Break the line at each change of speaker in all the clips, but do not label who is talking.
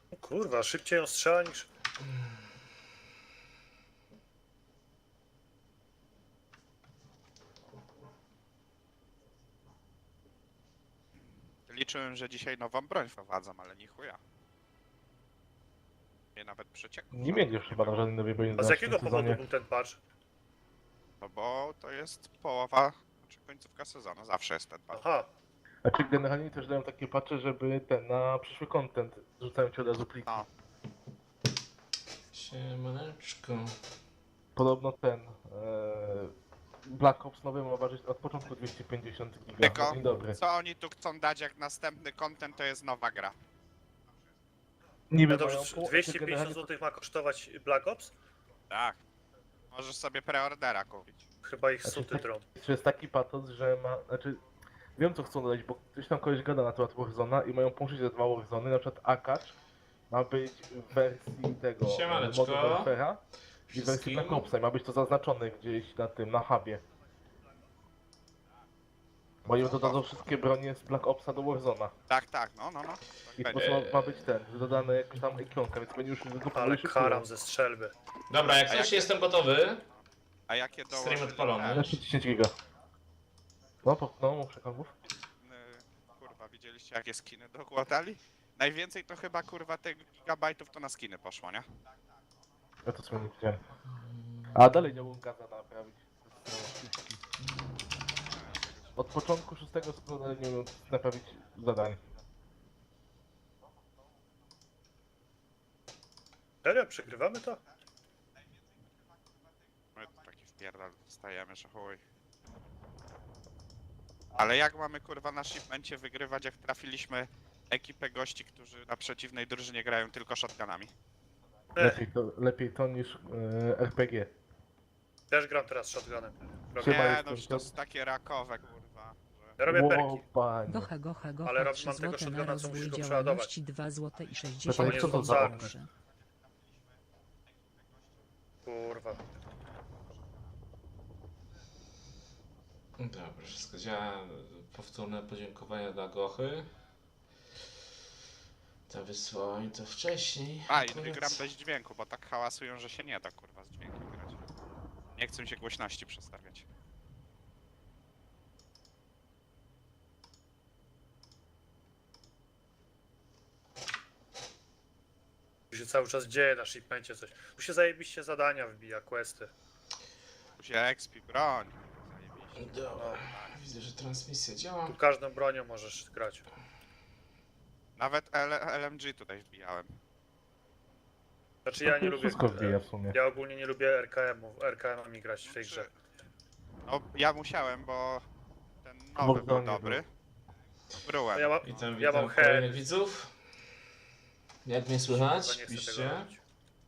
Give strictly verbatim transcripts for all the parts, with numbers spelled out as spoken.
Kurwa, szybciej ją strzela niż...
Liczyłem, że dzisiaj nową broń wprowadzą, ale nie chuja. Nie nawet przecieków.
Nie mieli chyba na żadnej nowej broni
A z
na
jakiego
tym
powodu
sezonie.
był ten patch?
No bo to jest połowa, znaczy końcówka sezonu, zawsze jest ten patch.
Aha,
Znaczy generalnie też dają takie patche, żeby ten na przyszły content rzucają ci od razu pliki.
No,
Siemaneczko.
Podobno ten e, Black Ops nowy ma ważyć od początku dwieście pięćdziesiąt giga.
tylko
Dzień dobry.
co oni tu chcą dać jak następny content, to jest nowa gra.
Niby
no dobrze,
mają pół-
dwieście
znaczy
pięćdziesiąt
generalnie
złotych ma kosztować Black Ops?
Tak. Możesz sobie preordera kupić.
Chyba ich
Znaczy,
suty
tak-
dron.
to jest taki patos, że ma, znaczy wiem co chcą dodać, bo ktoś tam kogoś gada na temat Warzona i mają połączyć te dwa Warzony, na przykład Akacz ma być w wersji tego
Siemaneczko.
modu Warfare'a i w wersji
Wszystkim.
Black Opsa i ma być to zaznaczone gdzieś na tym, na hubie. Bo im dodadzą wszystkie bronie z Black Opsa do Warzona.
Tak, tak, no, no, no.
I
Tak
po
będzie.
prostu ma, ma być ten, dodane jakaś tam ikonka, więc będzie już tylko
Ale karam ze strzelby.
Dobra, jak
A
coś
jak-
jestem gotowy.
A jakie
Stream
dołożyli
odpalony.
te,
Jeszcze dziesięć giga. No, po, no, muszę kawów.
y, kurwa, widzieliście jakie skiny dokładali? Najwięcej to chyba kurwa tych gigabajtów to na skiny poszło, nie?
Ja to sobie nie widziałem. A dalej nie mogą gaza naprawić. Od początku szóstego sezonu dalej nie mogą naprawić zadań.
Serio? Przegrywamy to?
My tu taki wpierdal dostajemy, że chuj. Ale jak mamy kurwa na shipmencie wygrywać, jak trafiliśmy ekipę gości, którzy na przeciwnej drużynie grają tylko shotgunami?
E,
Lepiej to, lepiej to niż e, R P G.
też gram teraz shotgunem. Robię,
Chyba
Nie,
jest
no już to
to-
jest takie rakowe kurwa. Że...
ja robię
Ło,
perki.
panie.
Gocha, gocha, gocha,
Ale rob-
trzy
mam tego
złote na
shotguna, co musisz
rozwój
go
działalności, dwa złote i
To
sześćdziesiąt
jest co to za
za-
groszy.
Kurwa.
Dobra, wszystko działa. Powtórne podziękowania dla Gochy. To wysłałem to wcześniej.
A, i
Akurat-
gram bez dźwięku, bo tak hałasują, że się nie da kurwa z dźwiękiem grać. Nie chcę się głośności przestawiać.
Tu się cały czas dzieje na shipmencie coś. Tu się zajebiście zadania wbija, questy.
Tu się expi, broń. Zajebiście.
Dobra, widzę, że transmisja działa.
Tu każdą bronią możesz grać.
Nawet L LMG tutaj wbijałem.
Znaczy ja nie lubię...
Wszystko wbija w sumie.
Ja ogólnie nie lubię R K M-ów, R K M-ami grać w tej grze.
No, ja musiałem, bo ten nowy
Warzone
był
był.
dobry.
No
Byłem.
ja mam,
Witam,
ja
witam
mam
kolejnych
chęć.
widzów. Jak mnie
Kurwa,
słychać?
nie chcę tego
Piszcie.
robić.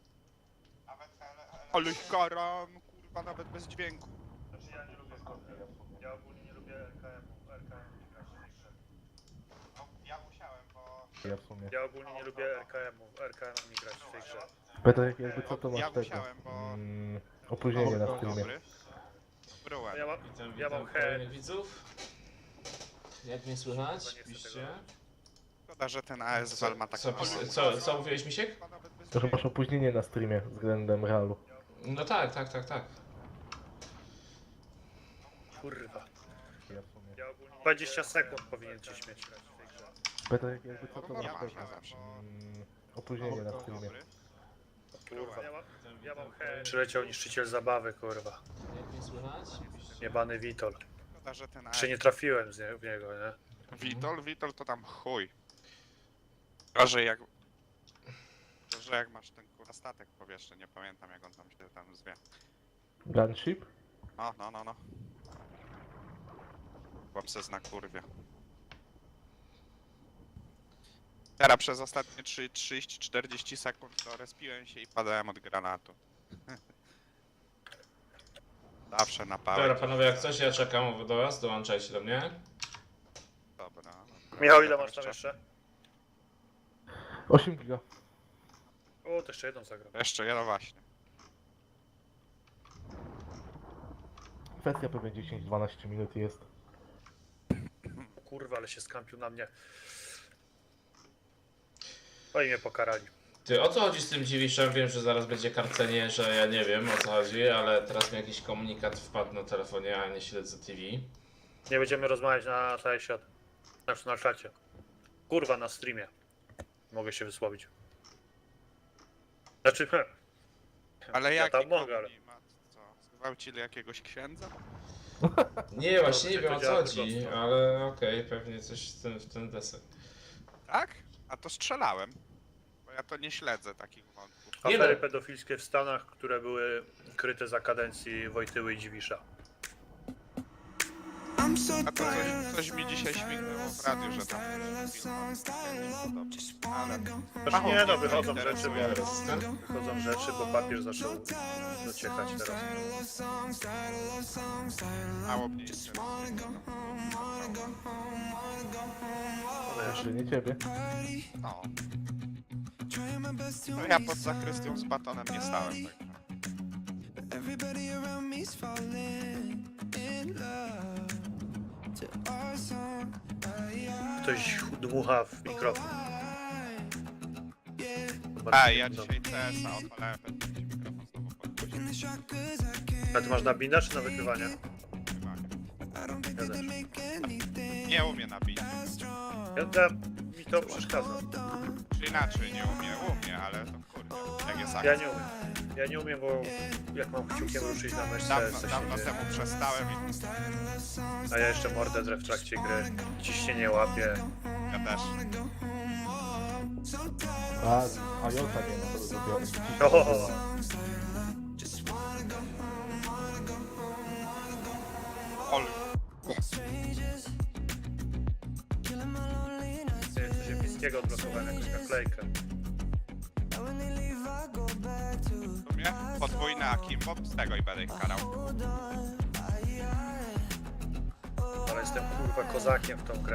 Ale karam, kurwa, nawet bez dźwięku.
Znaczy ja nie lubię... Ja ogólnie nie lubię R K M-ów, R K M-ami grać w tej grze.
No, ja musiałem, bo...
Ja w sumie.
Ja ogólnie nie lubię R K M-ów, R K M-ami grać w tej grze.
Peter, jakby co to
Ja
masz tego?
musiałem, bo-
Mm, opóźnienie na
Był
streamie.
dobry.
No
Byłem.
ja mam...
Witam,
Ja mam
witam
chęć.
kolejnych widzów. Jak mnie
Kurwa,
słychać?
nie chcę tego
Piszcie.
robić.
Szkoda, że ten A S Val ma tak
Co,
mało.
co, co, co mówiłeś, Misiek?
Kurwa, nawet bez
To, że masz
dźwięku.
opóźnienie na streamie względem realu.
No tak, tak, tak, tak.
Kurwa.
Ja w sumie.
Ja ogólnie... dwadzieścia sekund powinien ci śmieć grać w tej grze.
Peter, jakby co to
Ja
masz
mam
tego?
ja zawsze.
Mm, opóźnienie na streamie.
Dobry.
Kurwa. Ja mam,
Witam,
ja mam
witam
chęć.
kolejnych-
Przyleciał niszczyciel zabawy, kurwa.
Jak mnie słychać? Piszcie.
Jebany Witol.
Szkoda, że ten A
Czy nie
S
trafiłem z nie, w niego, nie?
Witol, Witol to tam chuj. Gorzej jak... Gorzej jak masz ten kurwa statek powietrzny, nie pamiętam jak on tam się tam zwie.
Gunship?
No, no, no, no. Chłopcy zna kurwie. Teraz przez ostatnie trzydzieści czterdzieści sekund to respiłem się i padałem od granatu. Zawsze na pałę.
Dobra, panowie, jak coś, ja czekam do was, dołączajcie do mnie.
Dobra. dobra.
Michał, ile masz tam jeszcze?
osiem giga.
O, to jeszcze jedną zagram.
Jeszcze jedno właśnie.
Kwestia pewnie dziesięć dwanaście minut jest.
O kurwa, ale się skampił na mnie. Oni mnie pokarali.
Ty, o co chodzi z tym Dziwiszem? Wiem, że zaraz będzie karcenie, że ja nie wiem o co chodzi, ale teraz mi jakiś komunikat wpadł na telefonie, a nie śledzę T V.
Nie będziemy rozmawiać na cały świat. Znaczy na czacie. Kurwa, na streamie. Mogę się wysłowić. Znaczy, he,
Ale
Ja
jak
tam mogę, ale-
Co? Zgwałcili jakiegoś księdza?
Nie, właśnie nie
to
wiem o co
działa
chodzi,
prosto.
ale okej, pewnie coś w ten, w ten desek.
Tak? A to strzelałem. Bo ja to nie śledzę takich wątków.
Nie
afery
no.
pedofilskie w Stanach, które były kryte za kadencji Wojtyły i Dziwisza.
A to coś, coś mi dzisiaj śmignęło w radiu, że tam film dobrze, ale
Znaczy nie no, wychodzą rzeczy,
interesuje.
bo, wychodzą rzeczy, bo papież zaczął dociekać teraz.
mało mnie interesuje.
Jeszcze nie ciebie.
No. No ja pod zakrystią z batonem nie stałem, także.
Everybody around me's falling in love to our song.
Ktoś dmucha w mikrofon.
A, ja dzisiaj C S a odpalałem, będę ci mikrofon znowu podgłosił.
In the shot 'cause I can't
A ty masz na binda czy na wykrywanie?
Chyba.
I don't think
Ja
that they
też.
make anything
Nie umie nabić.
strong.
Ja, ja, mi to przeszkadza.
Czy inaczej, nie umie, umie, ale to kurde, jak jest
Ja
akcja.
nie umiem. Ja nie umiem, bo jak mam kciukiem ruszyć na myszce,
Dawno,
coś się
dawno
dzieje.
temu przestałem i
A ja jeszcze mordę drę w trakcie gry. Ciśnienie łapię.
ja też.
A, a Jota nie ma, to zrobione.
Ohoho.
Ol,
Killing my lonely nights.
Nie, coś epickiego odblokowałem, jakąś naklejkę.
And when they leave, I go back to
w sumie podwójny akimbo, z tego i będę ich karał.
hold on.
Ale jestem kurwa kozakiem w tą grę.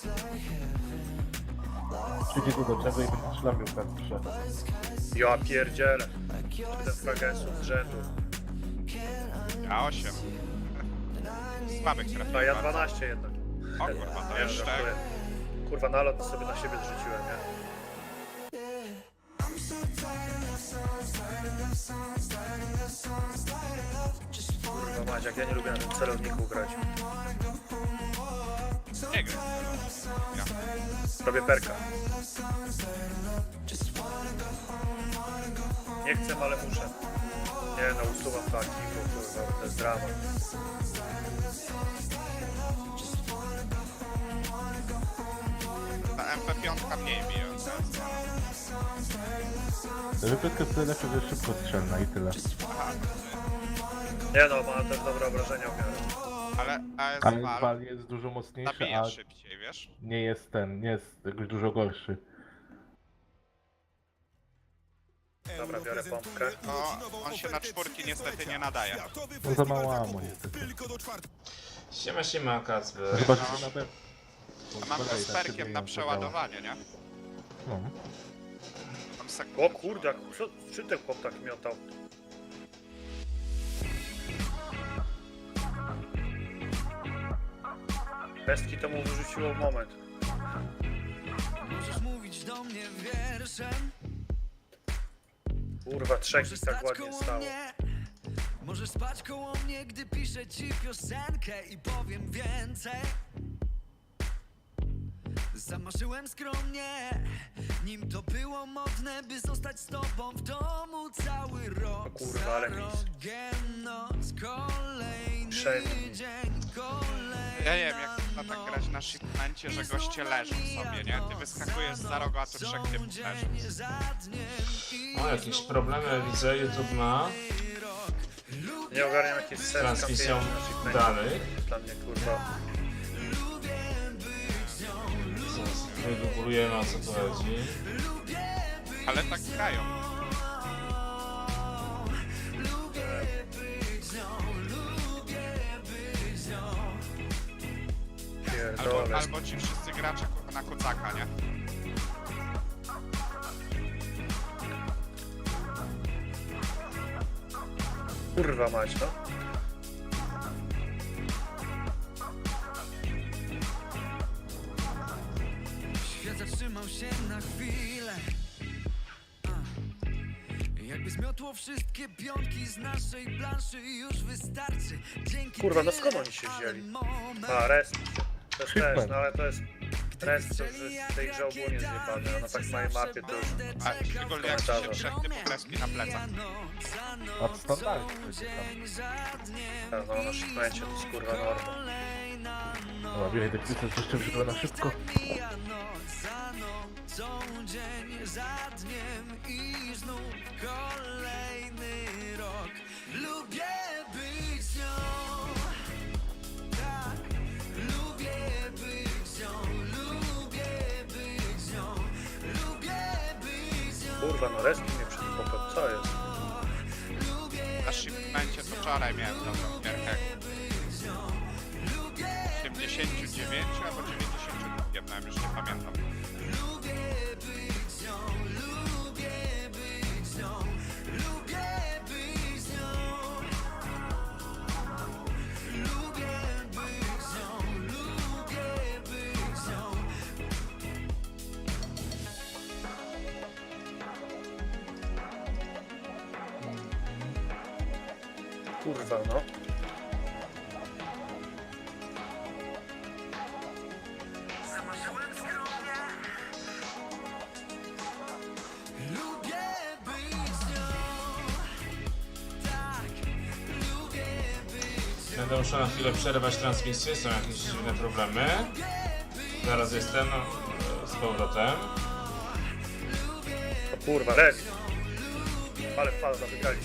Przyjdzie tu do czego i będzie szlamił kartkę.
Ja pierdzielę. Siedem fragensów z rzędu.
Ja osiem. Słabych
A
trafiłem.
ja
bardzo.
dwanaście jednak.
O kurwa, to
Nie,
jeszcze...
żartuję. Kurwa, nalot sobie na siebie zrzuciłem, nie? Kurwa mać, jak ja nie lubię na tym celowniku grać.
Nie gram. Ja.
Robię perka. Nie chcę, ale muszę. Nie no, usuwam to aktivo, kurwa, to jest drama.
Ta M P pięć mniej bije.
Wypytka tyle lepsze, że jest szybko strzelna i tyle.
Aha,
Nie no, ma też dobre obrażenia w miarę.
ale
Ale
A S V
Val jest dużo mocniejszy,
nabija
a
szybciej, wiesz?
nie jest ten, nie jest jakoś dużo gorszy.
Dobra, biorę pompkę.
No, on się na czwórki niestety nie nadaje.
No za mało ammo niestety.
Siema, siema, Kacper.
Chyba, że na pewno.
Mam to z perkiem na przeładowanie, nie?
No.
Tam sekundę
O kurde, jak co, czy ten chłop tak miotał? Pestki to mu wyrzuciło w moment.
Możesz mówić do mnie wierszem.
Kurwa, trzech
Możesz
mi tak
stać
ładnie
koło
stało.
mnie. Możesz spać koło mnie, gdy piszę ci piosenkę i powiem więcej. Zamarzyłem skromnie, nim to było modne, by zostać z tobą w domu cały rok.
kurwa, ale
za
mis.
rogiem noc, kolejny
Przejmij.
dzień, kolejna
Ja nie wiem, jak można tak grać na shipmencie, że goście leżą sobie, nie? Ty wyskakujesz za rogu, a tu trzech typów leży.
dzień za dniem i
O, jakieś problemy widzę, YouTube ma
Nie ogarniam jakieś
z
serca
transmisją danych.
Dla mnie kurwa.
Zaraz wygooglujemy, o co tu chodzi.
Ale tak grają. Albo,
Pierdolę.
albo ci wszyscy gracze kurwa na kucaka, nie?
Kurwa mać, no.
świat zatrzymał się na chwilę. Jakby zmiotło wszystkie pionki z naszej planszy, już wystarczy. Dzięki
Kurwa, no
tyle,
skąd oni się
ale
wzięli?
moment,
A, rest. To jest
Shipment.
rest, no ale to jest rest, to już jest w tej grze ogólnie zjebane, a na tak małej mapie to już...
A szczególnie jak ci się
Komentarze.
trzech typów kreski na plecach.
A w standardzie przecież tam.
A, no na shipmencie to jest kurwa norma.
Dobra, bieraj te kwity, coś jeszcze wyszło na szybko.
mija noc za nocą, dzień za dniem i znów kolejny rok. Lubię być z nią, tak, lubię być z nią, lubię być z nią, lubię być z nią.
Kurwa, no rest mnie przed popem, co jest?
Na shipmencie to wczoraj miałem dobrą gierkę. osiemdziesiąt dziewięć albo dziewięćdziesiąt dwa, miałem, już nie pamiętam.
Kurwa, no.
Lubię być z nią, tak, lubię być z nią.
Będę musiał na chwilę przerwać transmisję, są jakieś dziwne problemy. Zaraz jestem no, z powrotem.
O kurwa, rest. Ale falda, wygraliśmy.